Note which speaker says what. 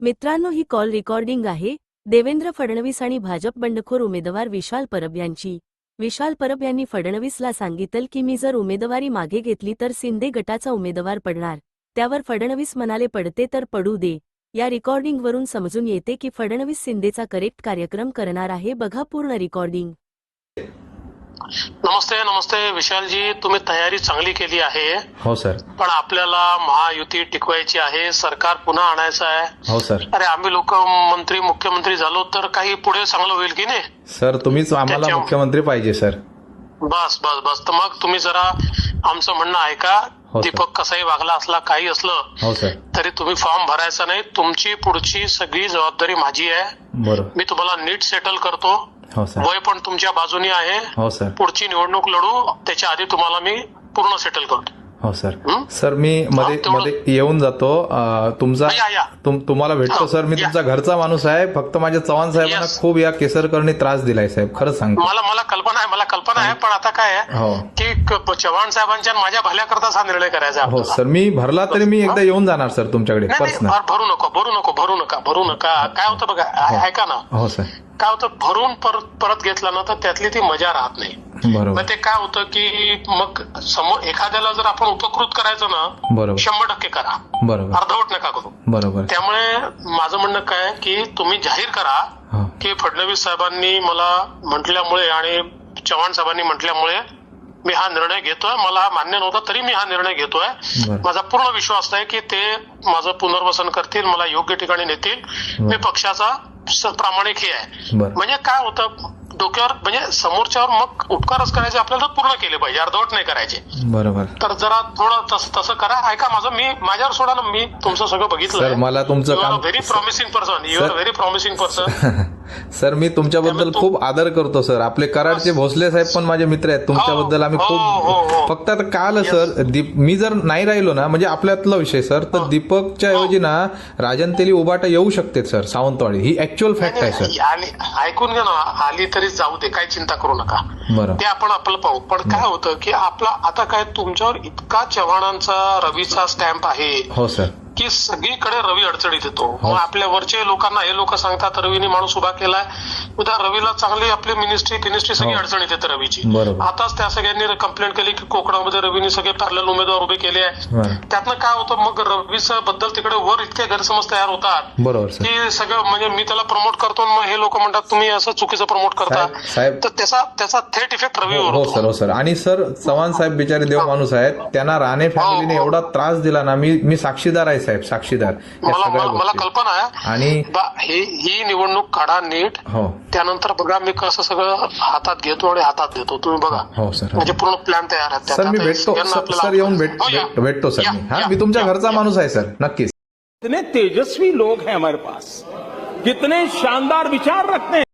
Speaker 1: मित्रांनो, ही call recording आहे देवेंद्र फडणवीस आणि भाजप बंडखोर उमेदवार विशाल परब यांची। विशाल परब यांनी फडणवीसला सांगितलं की मी जर उमेदवारी मागे घेतली तर शिंदे गटाचा उमेदवार पडणार। त्यावर फडणवीस म्हणाले पडते तर पडू दे। या रेकॉर्डिंगवरून समजून येते की फडणवीस शिंदेचा करेक्ट कार्यक्रम करणार आहे। बघा पूर्ण रेकॉर्डिंग।
Speaker 2: नमस्ते नमस्ते विशालजी, तुम्ही तयारी चांगली केली आहे।
Speaker 3: हो सर।
Speaker 2: पण आपल्याला महायुती टिकवायची आहे, सरकार पुन्हा आणायचं आहे।
Speaker 3: हो सर।
Speaker 2: अरे आम्ही लोक मंत्री मुख्यमंत्री झालो तर काही पुढे चांगलं होईल की नाही
Speaker 3: सर? तुम्हीच आम्हाला मुख्यमंत्री पाहिजे सर।
Speaker 2: बस बस बस, तर मग तुम्ही जरा आमचं म्हणणं ऐका।
Speaker 3: हो
Speaker 2: दीपक कसाही वागला असला काही असलं
Speaker 3: हो सर
Speaker 2: तरी तुम्ही फॉर्म भरायचा नाही। तुमची पुढची सगळी जबाबदारी माझी आहे।
Speaker 3: बरोबर।
Speaker 2: मी तुम्हाला नीट सेटल करतो।
Speaker 3: हो सर।
Speaker 2: वय पण तुमच्या बाजूने आहे।
Speaker 3: हो सर।
Speaker 2: पुढची निवडणूक लढू त्याच्या आधी तुम्हाला मी पूर्ण सेटल करतो।
Speaker 3: हो सर। सर मी मध्ये येऊन जातो तुमचा तुम्हाला भेटतो सर। मी तुमचा घरचा माणूस आहे। फक्त माझ्या चव्हाण साहेबांना खूप या केसरकरनी त्रास दिलाय साहेब, खरंच सांगतो।
Speaker 2: मला कल्पना आहे पण आता काय आहे की चव्हाण साहेबांच्या माझ्या भल्याकरताच हा निर्णय करायचा आहे।
Speaker 3: हो सर, मी भरला तरी मी एकदा येऊन जाणार सर तुमच्याकडे पर्सनल।
Speaker 2: भरू नका काय होतं बघा, ऐका ना।
Speaker 3: हो सर।
Speaker 2: काय होतं, भरून परत घेतला ना तर त्यातली ती मजा राहत नाही।
Speaker 3: बरोबर।
Speaker 2: मग ते काय होतं की मग समोर एखाद्याला जर आपण उपकृत करायचं ना,
Speaker 3: बरोबर
Speaker 2: 100% करा,
Speaker 3: बरोबर
Speaker 2: अर्धवट नका करू।
Speaker 3: बरोबर।
Speaker 2: त्यामुळे माझं म्हणणं काय की तुम्ही जाहीर करा की फडणवीस साहेबांनी मला म्हटल्यामुळे आणि चव्हाण साहेबांनी म्हटल्यामुळे मी हा निर्णय घेतोय। मला मान्य नव्हता तरी मी हा निर्णय घेतोय। माझा पूर्ण विश्वास आहे की ते माझं पुनर्वसन करतील, मला योग्य ठिकाणी नेतील। मी पक्षाचा प्रामाणिक हे आहे। म्हणजे काय होतं, डोक्यावर म्हणजे समोरच्यावर मग उपकारच करायचे आपल्याला पूर्ण केले पाहिजे, अर्धवट नाही करायचे।
Speaker 3: बरोबर।
Speaker 2: तर जरा थोडं तसं करा। ऐका माझं, मी माझ्यावर सोडा ना, मी तुमचं सगळं बघितलं।
Speaker 3: सर मला तुमचं काम
Speaker 2: very promising person, you are very promising person.
Speaker 3: Sir मी तुमच्याबद्दल खूप आदर करतो सर। आपले कराडचे भोसले साहेब पण माझे मित्र आहेत। तुमच्याबद्दल आम्ही खूप फक्त आता काय आलं सर, मी जर नाही राहिलो ना, म्हणजे आपल्यातला विषय सर, तर दीपकच्या ऐवजी ना राजन तेली उबाटा येऊ शकते सर सावंतवाडी। ही ऍक्च्युअल फॅक्ट आहे सर।
Speaker 2: ऐकून घ्या ना, आली तरी जाऊ दे, काही चिंता करू नका।
Speaker 3: बरं,
Speaker 2: ते आपण आपलं पाहू। पण काय होतं की आपला आता काय तुमच्यावर इतका चव्हाणांचा रवीचा स्टॅम्प आहे।
Speaker 3: हो सर।
Speaker 2: की सगळीकडे रवी अडचणीत येतो। मग आपल्या वरचे लोकांना हे लोक सांगतात रवीने माणूस उभा केलाय, उद्या रवीला चांगली आपली मिनिस्ट्री सगळी अडचणीत येते रवीची। आताच त्या सगळ्यांनी कंप्लेंट केली की कोकणामध्ये रवीने सगळे पॅरलल उमेदवार उभे केले आहे। त्यातनं काय होतं, मग रवीच्या बद्दल तिकडे वर इतके गैरसमज तयार होतात की सगळं म्हणजे मी त्याला प्रमोट करतो, मग हे लोक म्हणतात तुम्ही असं चुकीचं प्रमोट करता, तर त्याचा थेट इफेक्ट रवीवर
Speaker 3: होतो। हो सर। आणि सर चव्हाण साहेब बिचारे देव माणूस आहेत, त्यांना राणे फॅमिलीने एवढा त्रास दिला ना, मी साक्षीदार आहे साहेब, साक्षीदार।
Speaker 2: मला कल्पना आहे।
Speaker 3: आणि
Speaker 2: ही निवडणूक काढा नीट।
Speaker 3: हो।
Speaker 2: त्यानंतर बघा मी कसं सगळं हातात घेतो आणि हातात देतो, तुम्ही बघा।
Speaker 3: हो सर।
Speaker 2: म्हणजे पूर्ण प्लॅन तयार आहे
Speaker 3: सर। मी भेटतो सर, येऊन भेटतो सर मी। मी तुमच्या घरचा माणूस आहे सर, नक्कीच।
Speaker 4: कितने तेजस्वी लोग हैं हमारे पास, कितने शानदार विचार रखते हैं।